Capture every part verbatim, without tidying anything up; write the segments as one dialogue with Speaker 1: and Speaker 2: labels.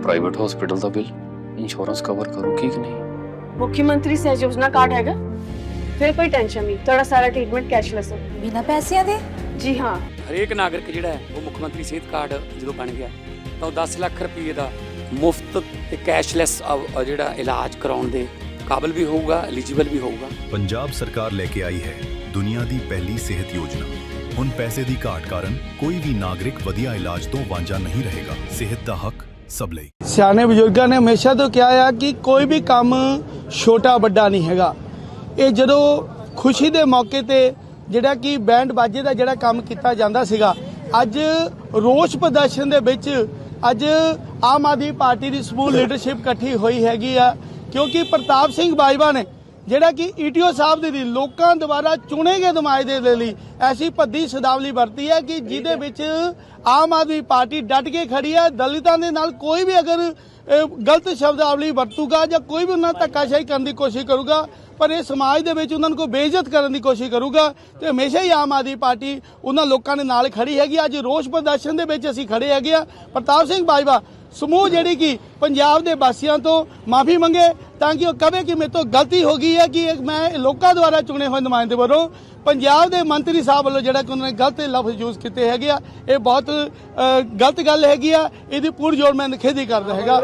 Speaker 1: Private hospital ਦਾ bill insurance cover ਕਰੂਗੀ ਕਿ ਨਹੀਂ?
Speaker 2: मुख्यमंत्री सहज योजना कार्ड हैगा, फिर कोई टेंशन नहीं, थोड़ा सारा ट्रीटमेंट कैशलेस है।
Speaker 3: बिना पैसिਆਂ ਦੇ?
Speaker 2: जी हाँ।
Speaker 4: ਹਰੇਕ ਨਾਗਰਿਕ ਜਿਹੜਾ ਹੈ ਉਹ ਮੁੱਖ ਮੰਤਰੀ ਸਿਹਤ ਕਾਰਡ ਜਦੋਂ ਬਣ ਗਿਆ ਤਾਂ ਉਹ ਦਸ ਲੱਖ ਰੁਪਏ ਦਾ ਮੁਫਤ ਤੇ ਕੈਸ਼ਲੈਸ ਜਿਹੜਾ ਇਲਾਜ ਕਰਾਉਣ ਦੇ ਕਾਬਿਲ ਵੀ ਹੋਊਗਾ, ਐਲੀਜੀਬਲ ਵੀ ਹੋਊਗਾ।
Speaker 5: ਪੰਜਾਬ ਸਰਕਾਰ ਲੈ ਕੇ ਆਈ ਹੈ ਦੁਨੀਆ ਦੀ ਪਹਿਲੀ ਸਿਹਤ ਯੋਜਨਾ। ਹੁਣ ਪੈਸੇ ਦੀ ਘਾਟ ਕਾਰਨ ਕੋਈ ਵੀ ਨਾਗਰਿਕ ਵਧੀਆ ਇਲਾਜ ਤੋਂ ਵਾਂਝਾ ਨਹੀਂ ਰਹੇਗਾ। ਸਿਹਤ ਦਾ ਹੱਕ ਸਭ ਲਈ।
Speaker 6: ਸਿਆਣੇ ਬਜ਼ੁਰਗਾਂ ਨੇ ਹਮੇਸ਼ਾ ਤੋਂ ਕਿਹਾ ਆ ਕਿ ਕੋਈ ਵੀ ਕੰਮ ਛੋਟਾ ਵੱਡਾ ਨਹੀਂ ਹੈਗਾ। ਇਹ ਜਦੋਂ ਖੁਸ਼ੀ ਦੇ ਮੌਕੇ ਤੇ ਜਿਹੜਾ ਕਿ ਬੈਂਡ ਬਾਜੇ ਦਾ ਜਿਹੜਾ ਕੰਮ ਕੀਤਾ ਜਾਂਦਾ ਸੀਗਾ, ਅੱਜ ਰੋਸ ਪ੍ਰਦਰਸ਼ਨ ਦੇ ਵਿੱਚ ਅੱਜ ਆਮ ਆਦਮੀ ਪਾਰਟੀ ਦੀ ਸਮੂਹ ਲੀਡਰਸ਼ਿਪ ਇਕੱਠੀ ਹੋਈ ਹੈਗੀ ਆ, ਕਿਉਂਕਿ ਪ੍ਰਤਾਪ ਸਿੰਘ ਬਾਜਵਾ ਨੇ ਜਿਹੜਾ ਕਿ ਈਟੀਓ ਸਾਹਿਬ ਦੇ ਲਈ ਲੋਕਾਂ ਦੁਆਰਾ ਚੁਣੇ ਗਏ ਨੁਮਾਇੰਦੇ ਦੇ ਲਈ ਐਸੀ ਭੱਦੀ ਸ਼ਬਦਾਵਲੀ ਵਰਤੀ ਹੈ ਕਿ ਜਿਹਦੇ ਵਿੱਚ ਆਮ ਆਦਮੀ ਪਾਰਟੀ ਡਟ ਕੇ ਖੜੀ ਹੈ। ਦਲਿਤਾਂ ਦੇ ਨਾਲ ਕੋਈ ਵੀ ਅਗਰ ਗਲਤ ਸ਼ਬਦਾਵਲੀ ਵਰਤੂਗਾ ਜਾਂ ਕੋਈ ਵੀ ਉਹਨਾਂ ਧੱਕਾਸ਼ਾਹੀ ਕਰਨ ਦੀ ਕੋਸ਼ਿਸ਼ ਕਰੂਗਾ, ਪਰ ਇਹ ਸਮਾਜ ਦੇ ਵਿੱਚ ਉਹਨਾਂ ਨੂੰ ਕੋਈ ਬੇਇੱਜ਼ਤ ਕਰਨ ਦੀ ਕੋਸ਼ਿਸ਼ ਕਰੂਗਾ, ਤੇ ਹਮੇਸ਼ਾ ਹੀ ਆਮ ਆਦਮੀ ਪਾਰਟੀ ਉਹਨਾਂ ਲੋਕਾਂ ਦੇ ਨਾਲ ਖੜੀ ਹੈਗੀ। ਅੱਜ ਰੋਸ ਪ੍ਰਦਰਸ਼ਨ ਦੇ ਵਿੱਚ ਅਸੀਂ ਖੜੇ ਹੈਗੇ ਆ। ਪ੍ਰਤਾਪ ਸਿੰਘ ਬਾਜਵਾ ਸਮੂਹ ਜਿਹੜੀ ਕਿ ਪੰਜਾਬ ਦੇ ਵਾਸੀਆਂ ਤੋਂ ਮਾਫੀ ਮੰਗੇ ਤਾਂ ਕਿ ਉਹ ਕਹੇ ਕਿ ਮੇਰੇ ਤੋਂ ਗਲਤੀ ਹੋ ਗਈ ਹੈ ਕਿ ਮੈਂ ਲੋਕਾਂ ਦੁਆਰਾ ਚੁਣੇ ਹੋਏ ਨੁਮਾਇੰਦੇ ਵੱਲੋਂ ਪੰਜਾਬ ਦੇ ਮੰਤਰੀ ਸਾਹਿਬ ਵੱਲੋਂ ਜਿਹੜਾ ਕਿ ਉਹਨਾਂ ਨੇ ਗਲਤ ਲਫ਼ਜ਼ ਯੂਜ਼ ਕੀਤੇ ਹੈਗੇ ਆ, ਇਹ ਬਹੁਤ ਗਲਤ ਗੱਲ ਹੈਗੀ ਆ। ਇਹਦੀ ਪੂਰੀ ਜੋੜ ਮੈਂ ਨਿਖੇਧੀ ਕਰਦਾ ਹੈਗਾ।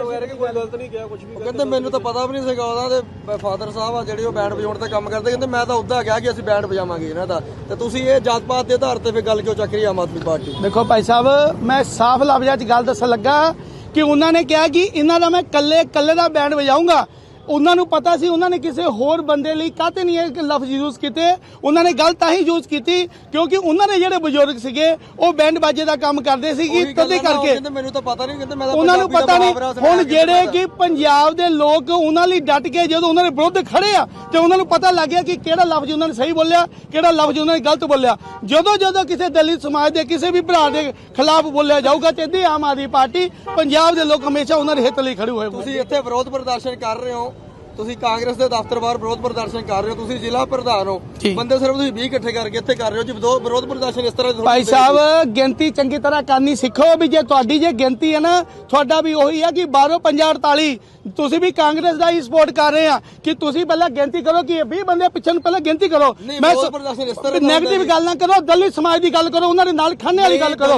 Speaker 7: ਕਹਿੰਦੇ ਮੈਨੂੰ ਤਾਂ ਪਤਾ ਵੀ ਨਹੀਂ ਸੀਗਾ, ਉਹਨਾਂ ਦੇ ਫਾਦਰ ਸਾਹਿਬ ਆ ਜਿਹੜੇ ਉਹ ਬੈਂਡ ਵਜਾਉਣ ਤੇ ਕੰਮ ਕਰਦੇ, ਕਹਿੰਦੇ ਮੈਂ ਤਾਂ ਉੱਦਾਂ ਕਿਹਾ ਕਿ ਅਸੀਂ ਬੈਂਡ ਵਜਾਵਾਂਗੇ ਇਹਨਾਂ ਦਾ, ਤੇ ਤੁਸੀਂ ਇਹ ਜਾਤ ਪਾਤ ਦੇ ਆਧਾਰ ਤੇ ਫਿਰ ਗੱਲ ਕਿਉਂ ਚੱਕ ਰਹੀ ਆਮ ਆਦਮੀ ਪਾਰਟੀ?
Speaker 6: ਦੇਖੋ ਭਾਈ ਸਾਹਿਬ, ਮੈਂ ਸਾਫ਼ ਲਫ਼ਜ਼ਾਂ 'ਚ ਗੱਲ ਦੱਸਣ ਲੱਗਾ ਕਿ ਉਹਨਾਂ ਨੇ ਕਿਹਾ ਕਿ ਇਹਨਾਂ ਦਾ ਮੈਂ ਕੱਲੇ ਕੱਲੇ ਦਾ ਬੈਂਡ ਵਜਾਊਂਗਾ। ਉਹਨਾਂ ਨੂੰ ਪਤਾ ਸੀ ਉਹਨਾਂ ਨੇ ਕਿਸੇ ਹੋਰ ਬੰਦੇ ਲਈ ਕਾਹਤੇ ਨਹੀਂ ਇਹ ਲਫ਼ਜ਼ ਯੂਜ਼ ਕੀਤੇ। ਉਹਨਾਂ ਨੇ ਗੱਲ ਤਾਂ ਹੀ ਯੂਜ਼ ਕੀਤੀ ਕਿਉਂਕਿ ਉਹਨਾਂ ਦੇ ਜਿਹੜੇ ਬਜ਼ੁਰਗ ਸੀਗੇ ਉਹ ਬੈਂਡ ਬਾਜੇ ਦਾ ਕੰਮ ਕਰਦੇ ਸੀਗੇ, ਤਦੇ ਕਰਕੇ
Speaker 7: ਮੈਨੂੰ ਤਾਂ ਪਤਾ ਨਹੀਂ, ਕਹਿੰਦੇ ਮੈਂ ਤਾਂ
Speaker 6: ਉਹਨਾਂ ਨੂੰ ਪਤਾ ਨਹੀਂ। ਹੁਣ ਜਿਹੜੇ ਕਿ ਪੰਜਾਬ ਦੇ ਲੋਕ ਉਹਨਾਂ ਲਈ ਡਟ ਕੇ ਜਦੋਂ ਉਹਨਾਂ ਦੇ ਵਿਰੁੱਧ ਖੜੇ ਆ ਤੇ ਉਹਨਾਂ ਨੂੰ ਪਤਾ ਲੱਗ ਗਿਆ ਕਿ ਕਿਹੜਾ ਲਫ਼ਜ਼ ਉਹਨਾਂ ਨੇ ਸਹੀ ਬੋਲਿਆ, ਕਿਹੜਾ ਲਫ਼ਜ਼ ਉਹਨਾਂ ਨੇ ਗਲਤ ਬੋਲਿਆ। ਜਦੋਂ ਜਦੋਂ ਕਿਸੇ ਦਲਿਤ ਸਮਾਜ ਦੇ ਕਿਸੇ ਵੀ ਭਰਾ ਦੇ ਖਿਲਾਫ ਬੋਲਿਆ ਜਾਊਗਾ ਤੇ ਇਹਦੀ ਆਮ ਆਦਮੀ ਪਾਰਟੀ ਪੰਜਾਬ ਦੇ ਲੋਕ ਹਮੇਸ਼ਾ ਉਹਨਾਂ ਦੇ ਹਿੱਤ ਲਈ ਖੜੇ ਹੋਏ।
Speaker 7: ਤੁਸੀਂ ਇੱਥੇ ਵਿਰੋਧ ਪ੍ਰਦਰਸ਼ਨ ਕਰ ਰਹੇ ਹੋ, ਤੁਸੀਂ ਕਾਂਗਰਸ ਦੇ ਦਫ਼ਤਰ ਬਾਹਰ ਵਿਰੋਧ ਪ੍ਰਦਰਸ਼ਨ ਕਰ ਰਹੇ ਹੋ, ਤੁਸੀਂ ਜ਼ਿਲ੍ਹਾ ਪ੍ਰਧਾਨ ਹੋ, ਬੰਦੇ ਸਿਰਫ ਤੁਸੀਂ ਵੀਹ ਇਕੱਠੇ ਕਰਕੇ ਇੱਥੇ ਕਰ ਰਹੇ ਹੋ ਜੀ ਵਿਰੋਧ ਪ੍ਰਦਰਸ਼ਨ। ਇਸ ਤਰ੍ਹਾਂ
Speaker 6: ਭਾਈ ਸਾਹਿਬ ਗਿਣਤੀ ਚੰਗੀ ਤਰ੍ਹਾਂ ਕਰਨੀ ਸਿੱਖੋ ਵੀ ਜੇ ਤੁਹਾਡੀ ਜੇ ਗਿਣਤੀ ਹੈ ਨਾ, ਤੁਹਾਡਾ ਵੀ ਉਹੀ ਹੈ ਕਿ ਬਾਰੋਂ ਪੰਜਾਹ ਅੜਤਾਲੀ ਤੁਸੀਂ ਵੀ ਕਾਂਗਰਸ ਦਾ ਹੀ ਸਪੋਰਟ ਕਰ ਰਹੇ ਆ ਕਿ ਤੁਸੀਂ ਪਹਿਲਾਂ ਗਿਣਤੀ ਕਰੋ ਕਿ ਇਹ ਵੀਹ ਬੰਦੇ ਪਿੱਛੇ ਨੂੰ ਪਹਿਲਾਂ ਗਿਣਤੀ ਕਰੋ। ਮੈਂ ਨੈਗੇਟਿਵ ਗੱਲ ਨਾ ਕਰੋ, ਦਲਿਤ ਸਮਾਜ ਦੀ ਗੱਲ ਕਰੋ, ਉਹਨਾਂ ਦੇ ਨਾਲ ਖੰਨੇ ਵਾਲੀ ਗੱਲ ਕਰੋ।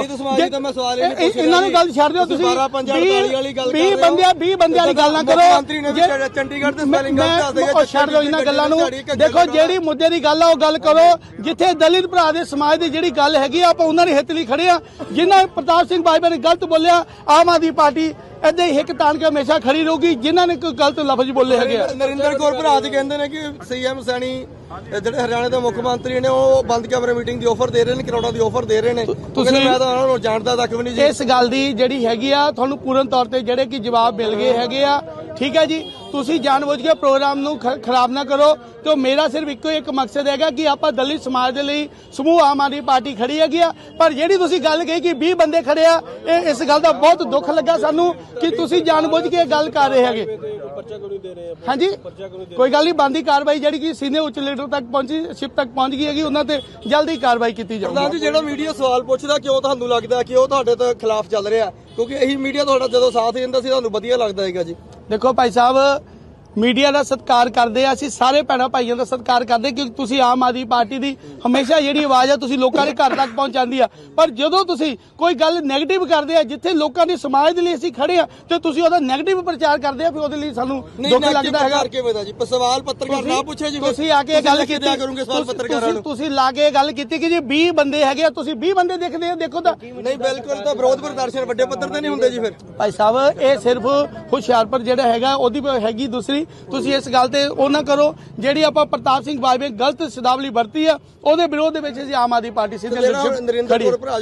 Speaker 6: ਇਹਨਾਂ ਨੂੰ ਗੱਲ ਛੱਡ ਦਿਓ, ਤੁਸੀਂ ਵੀਹ ਬੰਦਿਆਂ ਵੀਹ ਬੰਦਿਆਂ ਵਾਲੀ ਗੱਲ ਨਾ ਕਰੋ।
Speaker 7: ਚੰਡੀਗੜ੍ਹ
Speaker 6: ਮੈਂ ਛੱਡ ਦਿਓ ਇਹਨਾਂ ਗੱਲਾਂ ਨੂੰ। ਦੇਖੋ ਜਿਹੜੀ ਮੁੱਦੇ ਦੀ ਗੱਲ ਆ ਉਹ ਗੱਲ ਕਰੋ। ਜਿੱਥੇ ਦਲਿਤ ਭਰਾ ਦੇ ਸਮਾਜ ਦੀ ਜਿਹੜੀ ਗੱਲ ਹੈਗੀ ਆ ਆਪਾਂ ਉਹਨਾਂ ਦੇ ਹਿੱਤ ਲਈ ਖੜੇ ਆ। ਜਿਨ੍ਹਾਂ ਪ੍ਰਤਾਪ ਸਿੰਘ ਬਾਜਵਾ ਨੇ ਗਲਤ ਬੋਲਿਆ, ਆਮ ਆਦਮੀ ਪਾਰਟੀ ਏਦਾਂ ਹੀ ਹਿੱਕ ਤਾਣ ਕੇ ਹਮੇਸ਼ਾ ਖੜੀ ਰਹੂਗੀ। ਜਿਨ੍ਹਾਂ ਨੇ ਕੋਈ ਗਲਤ ਲਫ਼ਜ਼ ਬੋਲੇ ਹੈਗੇ ਆ।
Speaker 7: ਨਰਿੰਦਰ ਕੌਰ ਭਰਾ ਜੀ ਕਹਿੰਦੇ ਨੇ ਕਿ ਸੀਐਮ ਸੈਣੀ ਜਿਹੜੇ ਹਰਿਆਣਾ ਦੇ ਮੁੱਖ ਮੰਤਰੀ ਨੇ ਉਹ ਬੰਦ ਕਮਰੇ ਮੀਟਿੰਗ ਦੀ ਆਫਰ ਦੇ ਰਹੇ ਨੇ, ਕਰੋੜਾਂ ਦੀ ਆਫਰ ਦੇ ਰਹੇ ਨੇ। ਤੁਸੀਂ ਮੈਂ ਤਾਂ ਉਹਨਾਂ ਨੂੰ ਜਾਣਦਾ ਤੱਕ ਵੀ ਨਹੀਂ ਜੀ।
Speaker 6: ਇਸ ਗੱਲ ਦੀ ਜਿਹੜੀ ਹੈਗੀ ਆ ਤੁਹਾਨੂੰ ਪੂਰਨ ਤੌਰ ਤੇ ਜਿਹੜੇ ਕਿ ਜਵਾਬ ਮਿਲ ਗਏ ਹੈਗੇ ਆ। ਠੀਕ ਹੈ ਜੀ, ਤੁਸੀਂ ਜਾਣਬੁੱਝ ਕੇ ਪ੍ਰੋਗਰਾਮ ਨੂੰ ਖਰਾਬ ਨਾ ਕਰੋ। ਤੇ ਮੇਰਾ ਸਿਰਫ ਇੱਕੋ ਇੱਕ ਮਕਸਦ ਹੈਗਾ ਕਿ ਆਪਾਂ ਦਲਿਤ ਸਮਾਜ ਦੇ ਲਈ ਸਮੂਹ ਆਮ ਆਦਮੀ ਪਾਰਟੀ ਖੜੀ ਹੈਗੀ ਆ। ਪਰ ਜਿਹੜੀ ਤੁਸੀਂ ਗੱਲ ਕਹੀ ਕਿ ਵੀਹ ਬੰਦੇ ਖੜੇ ਆ, ਇਹ ਇਸ ਗੱਲ ਦਾ ਬਹੁਤ ਦੁੱਖ ਲੱਗਾ ਸਾਨੂੰ ਕਿ ਤੁਸੀਂ ਜਾਣਬੁੱਝ ਕੇ ਗੱਲ ਕਰ ਰਹੇ ਹੈਗੇ। ਹਾਂਜੀ, ਕੋਈ ਗੱਲ ਨਹੀਂ, ਬਣਦੀ ਕਾਰਵਾਈ ਜਿਹੜੀ ਕਿ ਸੀਨੀਅਰ ਉੱਚ ਲੀਡਰ ਤੱਕ ਪਹੁੰਚੀ ਸ਼ਿਪ ਤੱਕ ਪਹੁੰਚ ਗਈ ਹੈਗੀ, ਉਹਨਾਂ ਤੇ ਜਲਦੀ ਕਾਰਵਾਈ ਕੀਤੀ ਜਾਊਗੀ।
Speaker 7: ਪ੍ਰਧਾਨ ਜੀ, ਜਿਹੜਾ ਮੀਡੀਆ ਸਵਾਲ ਪੁੱਛਦਾ ਕਿਉਂ ਤੁਹਾਨੂੰ ਲੱਗਦਾ ਕਿ ਉਹ ਤੁਹਾਡੇ ਤੋਂ ਖਿਲਾਫ ਚੱਲ ਰਿਹਾ? ਕਿਉਂਕਿ ਇਹੀ ਮੀਡੀਆ ਤੁਹਾਡਾ ਜਦੋਂ ਸਾਥ ਦਿੰਦਾ ਸੀ ਤੁਹਾਨੂੰ ਵਧੀਆ ਲੱਗਦਾ ਹੈਗਾ ਜੀ।
Speaker 6: ਦੇਖੋ ਭਾਈ ਸਾਹਿਬ, ਮੀਡੀਆ ਦਾ ਸਤਿਕਾਰ ਕਰਦੇ ਆ ਅਸੀਂ, ਸਾਰੇ ਭੈਣਾਂ ਭਾਈਆਂ ਦਾ ਸਤਿਕਾਰ ਕਰਦੇ ਕਿਉਂਕਿ ਤੁਸੀਂ ਆਮ ਆਦਮੀ ਪਾਰਟੀ ਦੀ ਹਮੇਸ਼ਾ ਜਿਹੜੀ ਆਵਾਜ਼ ਆ ਤੁਸੀਂ ਲੋਕਾਂ ਦੇ ਘਰ ਤੱਕ ਪਹੁੰਚਾਉਂਦੀ ਆ। ਪਰ ਜਦੋਂ ਤੁਸੀਂ ਕੋਈ ਗੱਲ ਨੈਗੇਟਿਵ ਕਰਦੇ ਆ, ਜਿੱਥੇ ਲੋਕਾਂ ਦੇ ਸਮਾਜ ਦੇ ਲਈ ਅਸੀਂ ਖੜੇ ਆ ਤੇ ਤੁਸੀਂ ਉਹਦਾ ਨੈਗੇਟਿਵ ਪ੍ਰਚਾਰ ਕਰਦੇ ਆ, ਫਿਰ ਉਹਦੇ ਲਈ ਸਾਨੂੰ ਦੁੱਖ ਲੱਗਦਾ ਹੈਗਾ।
Speaker 7: ਜੀ ਸਵਾਲ ਪੱਤਰਕਾਰ ਨਾ ਪੁੱਛੇ ਜੀ,
Speaker 6: ਤੁਸੀਂ ਆ ਕੇ ਗੱਲ ਕੀਤੀ
Speaker 7: ਕਰੋਗੇ ਸਵਾਲ ਪੱਤਰਕਾਰਾਂ ਨੂੰ,
Speaker 6: ਤੁਸੀਂ ਲਾ ਕੇ ਗੱਲ ਕੀਤੀ ਕਿ ਜੀ ਵੀਹ ਬੰਦੇ ਹੈਗੇ ਆ, ਤੁਸੀਂ ਵੀਹ ਬੰਦੇ ਦੇਖਦੇ ਆ, ਦੇਖੋ ਤਾਂ
Speaker 7: ਨਹੀਂ। ਬਿਲਕੁਲ, ਤਾਂ ਵਿਰੋਧ ਪ੍ਰਦਰਸ਼ਨ ਵੱਡੇ ਪੱਧਰ ਤੇ ਨਹੀਂ ਹੁੰਦੇ ਜੀ। ਫਿਰ
Speaker 6: ਭਾਈ ਸਾਹਿਬ, ਇਹ ਸਿਰਫ ਹੁਸ਼ਿਆਰਪੁਰ ਜਿਹੜਾ ਹੈਗਾ ਉਹਦੀ ਹੈਗੀ ਦੂਸਰੀ। ਤੁਸੀਂ ਇਸ ਗੱਲ ਤੇ ਉਹ ਨਾ ਕਰੋ ਜਿਹੜੀ ਆਪਾਂ ਪ੍ਰਤਾਪ ਸਿੰਘ ਬਾਜਵਾ ਗਲਤ ਸ਼ਬਦਾਵਲੀ ਵਰਤੀ ਆ ਉਹਦੇ ਵਿਰੋਧ ਦੇ ਵਿੱਚ ਅਸੀਂ ਆਮ ਆਦਮੀ ਪਾਰਟੀ ਸਿੱਧੇ
Speaker 7: ਨਰਿੰਦਰ ਕੌਰ ਭਰਾ